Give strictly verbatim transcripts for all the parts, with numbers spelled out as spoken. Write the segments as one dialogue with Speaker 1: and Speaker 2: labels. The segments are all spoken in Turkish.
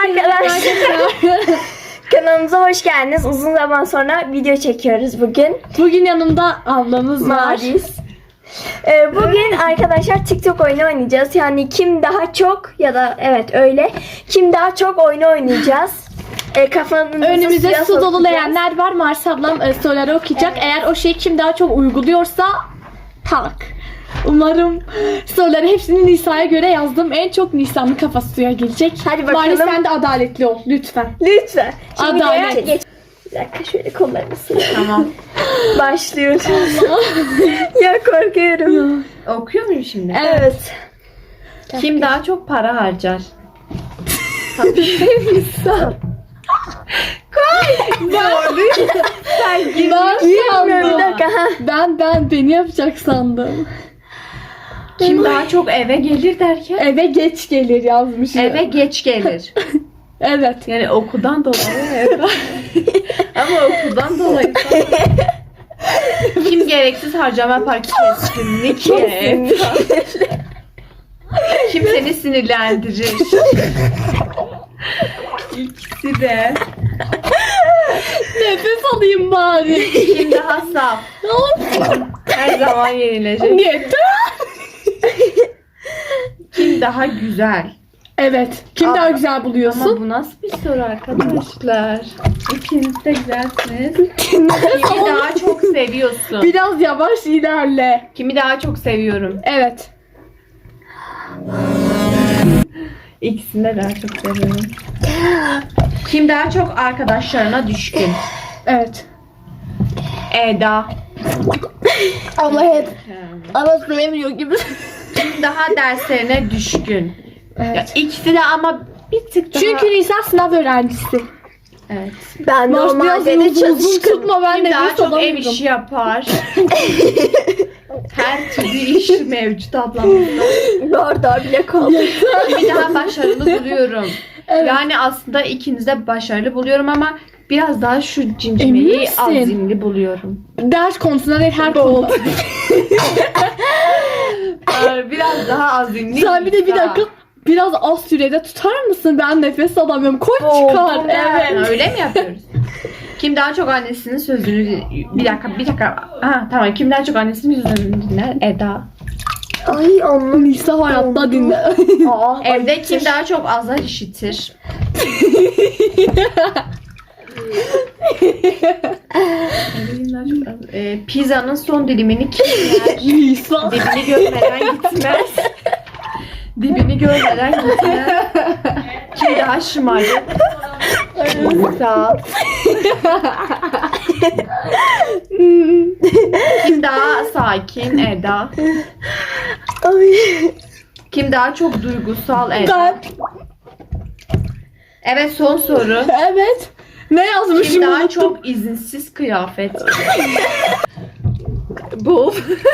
Speaker 1: arkadaşlar. Kanalımıza hoş geldiniz. Uzun zaman sonra video çekiyoruz bugün.
Speaker 2: Bugün yanımda ablamız var.
Speaker 1: Maris. Ee, bugün arkadaşlar TikTok oyunu oynayacağız. Yani kim daha çok ya da evet öyle. Kim daha çok oyunu oynayacağız. Ee, kafanızı
Speaker 2: Önümüzde
Speaker 1: suya
Speaker 2: su dolu
Speaker 1: sokacağız.
Speaker 2: leğenler var. Mars ablam e, soruları okuyacak.
Speaker 1: Evet.
Speaker 2: Eğer o şeyi kim daha çok uyguluyorsa tak. Umarım soruları hepsini Nisa'ya göre yazdım. En çok Nisa'nın kafası suya gelecek.
Speaker 1: Hadi bakalım.
Speaker 2: Maris sen de adaletli ol lütfen.
Speaker 1: Lütfen. Şimdi
Speaker 2: Adalet.
Speaker 1: videoya geç. Bir dakika şöyle kollarımı sıvayım.
Speaker 3: Tamam.
Speaker 1: Başlıyoruz. Ya korkuyorum.
Speaker 3: Okuyor muyum şimdi?
Speaker 1: Evet.
Speaker 3: Kim daha çok para harcar?
Speaker 2: Ben
Speaker 1: Bilmiyorum bir dakika. Ha.
Speaker 2: Ben ben beni yapacak sandım.
Speaker 3: Kim daha çok eve gelir derken?
Speaker 2: Eve geç gelir yazmış.
Speaker 3: Eve geç gelir.
Speaker 2: Evet.
Speaker 3: Yani okuldan dolayı eve. Ama okuldan dolayı. Kim gereksiz harcama yapar? Kesinlikle. Kim seni sinirlendirir? İkisi de.
Speaker 2: Nefes alayım bari.
Speaker 3: Kim daha saf? Her zaman yenilecek.
Speaker 2: Yeter.
Speaker 3: Kim daha güzel?
Speaker 2: Evet. Kim
Speaker 3: Aa,
Speaker 2: daha güzel buluyorsun?
Speaker 3: Ama bu nasıl bir soru arkadaşlar? İkiniz de güzelsiniz. Kimi daha çok seviyorsun?
Speaker 2: Biraz yavaş ilerle.
Speaker 3: Kimi daha çok seviyorum?
Speaker 2: Evet.
Speaker 3: İkisini de daha çok seviyorum. Kim daha çok arkadaşlarına düşkün?
Speaker 2: Evet.
Speaker 3: Eda.
Speaker 1: Ama hep ama söylemiyor gibi.
Speaker 3: Kim daha derslerine düşkün? Ya
Speaker 2: Evet.
Speaker 3: ikisi de ama bir tık daha...
Speaker 2: Çünkü Nisa sınav öğrencisi.
Speaker 3: Evet.
Speaker 1: Ben
Speaker 2: Mars biraz
Speaker 1: normalde de
Speaker 2: uzun uzun
Speaker 1: çalışkın.
Speaker 2: tutma ben
Speaker 3: Kim
Speaker 2: de
Speaker 3: daha
Speaker 2: nefes
Speaker 3: çok ev
Speaker 2: alamıyorum.
Speaker 3: işi yapar? Her türlü iş mevcut ablamızda.
Speaker 1: Bardağı bile kaldı.
Speaker 3: Kimi daha başarılı buluyorum.
Speaker 2: Evet.
Speaker 3: Yani aslında ikiniz de başarılı buluyorum ama biraz daha şu
Speaker 2: Emin
Speaker 3: cimcimeyi
Speaker 2: misin?
Speaker 3: azimli buluyorum.
Speaker 2: Ders konusunda değil her konuda.
Speaker 3: Ee, biraz daha azimli.
Speaker 2: Sen bir de bir
Speaker 3: Nisa.
Speaker 2: dakika biraz az sürede tutar mısın? Ben nefes alamıyorum. Koy çıkar.
Speaker 1: Oldu.
Speaker 2: Evet.
Speaker 3: Ha, öyle mi yapıyoruz? Kim daha çok annesinin sözünü... Bir dakika, bir dakika. Ha, tamam. Kim daha çok annesinin sözünü dinler? Eda.
Speaker 1: Ay anlam.
Speaker 2: Nisa hayatta dinle.
Speaker 1: Aa,
Speaker 3: Evde kim daha çok azar işitir? Evde kim daha çok azar... Ee, pizzanın son dilimini kim yer?
Speaker 2: Nisa.
Speaker 3: Dibini görmeden gitmez. Dibini görmeden gitmez. Kim daha şımarık? Nisa. Kim daha sakin? Eda.
Speaker 1: Ay.
Speaker 3: Kim daha çok duygusal? Eda.
Speaker 2: Ben.
Speaker 3: Evet, son soru.
Speaker 2: Evet. Ne yazmışım
Speaker 3: Kim daha
Speaker 2: unuttum.
Speaker 3: çok izinsiz kıyafet? Bu.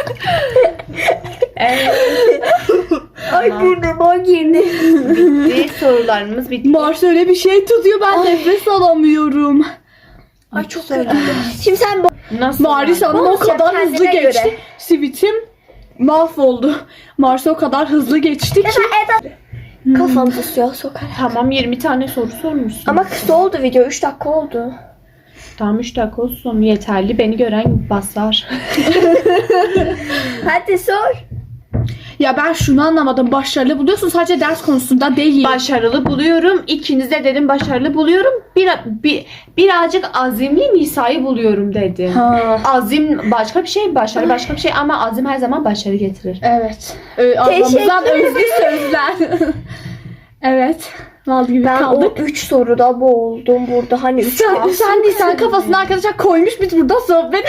Speaker 3: Evet.
Speaker 1: Ay
Speaker 3: Tamam.
Speaker 1: burnuma girdi.
Speaker 3: Bitti. Sorularımız bitti.
Speaker 2: Mars öyle bir şey tutuyor ben
Speaker 1: Ay.
Speaker 2: nefes alamıyorum.
Speaker 1: Ay çok kötü. Şimdi sen bu
Speaker 3: Nasıl?
Speaker 2: Maris
Speaker 3: yani?
Speaker 2: Hanım o
Speaker 1: Bonus yap
Speaker 2: kadar hızlı
Speaker 1: kendine
Speaker 2: geçti.
Speaker 1: göre.
Speaker 2: Sivitim mahvoldu. Mars o kadar hızlı geçti ki.
Speaker 1: Eda kafanızı suya sokar.
Speaker 3: Tamam, yirmi tane soru sormuşsun.
Speaker 1: Ama kısa oldu video. üç dakika oldu.
Speaker 3: Tamam, üç dakika olsun yeterli. Beni gören basar.
Speaker 1: Hadi sor.
Speaker 2: Ya ben şunu anlamadım. Başarılı buluyorsun sadece ders konusunda değil.
Speaker 3: Başarılı buluyorum. İkiniz de dedim başarılı buluyorum. Bir, bir, birazcık azimli Nisa'yı buluyorum dedim.
Speaker 2: Ha.
Speaker 3: Azim başka bir şey, başarı başka bir şey ama azim her zaman başarı getirir.
Speaker 2: Evet. Ee, ablamızdan
Speaker 1: Teşekkür
Speaker 2: özlü sözler. Evet. Mal gibi
Speaker 1: Ben
Speaker 2: kaldık.
Speaker 1: o üç soruda boğuldum burada. Hani üç
Speaker 2: Sen,
Speaker 1: kalsın.
Speaker 2: sen değil sen kafasına arkadaşlar koymuş biz burada sohbet.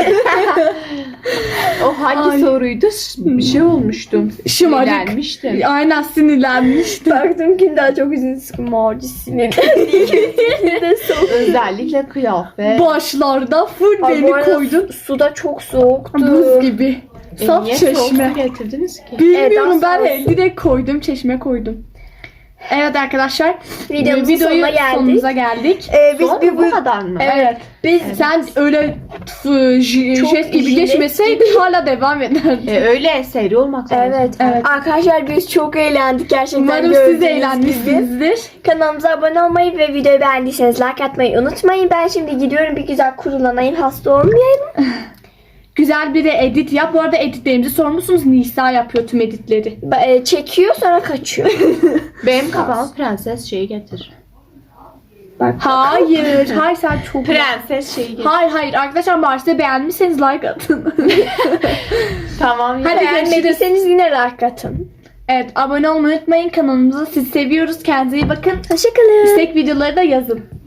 Speaker 3: O hangi
Speaker 2: Ay.
Speaker 3: soruydu? Bir şey olmuştum.
Speaker 2: Şımarık.
Speaker 3: Sinirlenmiştim.
Speaker 2: Aynen sinirlenmiştim.
Speaker 1: Baktım kim daha çok üzüntü sıkı Maci sinirlendi. İkimiz de soğuk.
Speaker 3: Özellikle kıyafet.
Speaker 2: Başlarda full
Speaker 1: Ay, bu
Speaker 2: beni
Speaker 1: arada
Speaker 2: koydun.
Speaker 1: suda çok soğuktu.
Speaker 2: Buz gibi. Saf
Speaker 3: E, niye soğuk
Speaker 2: çeşme.
Speaker 3: su getirdiniz ki?
Speaker 2: Bilmiyorum
Speaker 1: Eda
Speaker 2: ben
Speaker 1: sağ
Speaker 2: he- direkt koydum çeşme koydum. Evet arkadaşlar.
Speaker 1: Videomuzun
Speaker 2: videoyu
Speaker 1: sonuna geldik.
Speaker 2: sonumuza geldik.
Speaker 1: Ee, biz
Speaker 3: Son
Speaker 1: bir
Speaker 3: mu?
Speaker 1: bu
Speaker 3: Bu kadar mı?
Speaker 2: Evet. Biz sen öyle f- j-
Speaker 1: Çok
Speaker 2: jest gibi
Speaker 1: jilet
Speaker 2: geçmeseydin hala devam ederdik.
Speaker 3: E, öyle seri olmak lazım.
Speaker 1: Evet.
Speaker 2: Evet.
Speaker 1: Arkadaşlar biz çok eğlendik gerçekten.
Speaker 2: Umarım siz
Speaker 1: gördüğünüz
Speaker 2: de
Speaker 1: gibi.
Speaker 2: eğlenmişsinizdir.
Speaker 1: Kanalımıza abone olmayı ve videoyu beğendiyseniz like atmayı unutmayın. Ben şimdi gidiyorum, bir güzel kurulanayım, hasta olmayayım.
Speaker 2: Güzel bir de edit yap. Bu arada editlerimizi sormuşsunuz. Nisa yapıyor tüm editleri.
Speaker 1: Ba- e, Çekiyor sonra kaçıyor.
Speaker 3: Benim kafama prenses şeyi getir.
Speaker 2: Hayır. Hayır sen çok...
Speaker 3: Prenses şeyi getir.
Speaker 2: Hayır hayır. Arkadaşlar Mars'ı beğenmişseniz like atın.
Speaker 3: Tamam.
Speaker 2: Hadi
Speaker 3: ya.
Speaker 1: Beğenmediyseniz yine like atın.
Speaker 2: Evet, abone olmayı unutmayın kanalımıza. Sizi seviyoruz. Kendinize iyi bakın.
Speaker 1: Hoşçakalın.
Speaker 2: İstek videoları da yazın.